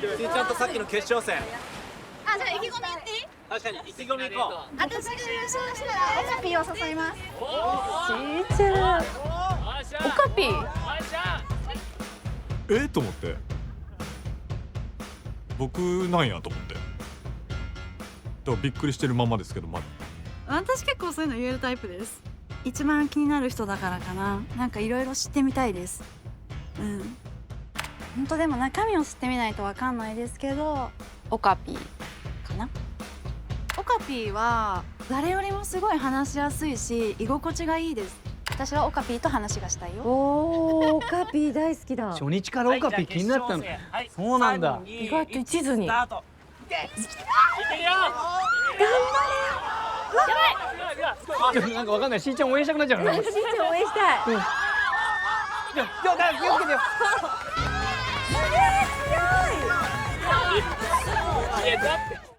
ちゃんとさっきの決勝戦。 あ、じゃあ意気込み言っていい？ 確かに意気込みいこう。 私が優勝したらオカピーを誘います。 ちいちゃん。オカピー。 と思って僕なんやと思ってだからびっくりしてるままですけど、まだ私結構そういうの言えるタイプです。一番気になる人だからかな。なんかいろいろ知ってみたいです。本当でも中身を知ってみないとわかんないですけど、オカピーかな。オカピーは誰よりもすごい話しやすいし居心地がいいです。私はオカピーと話がしたいよ。 おお、オカピー大好きだ。 初日からオカピー気になったの。そうなんだ。 意外と一途に。 スタート。 なんかわかんない。しーちゃん応援したくなっちゃうな。 しーちゃん応援したい。 気をつけてよ。 すげえ強い。 いやだって。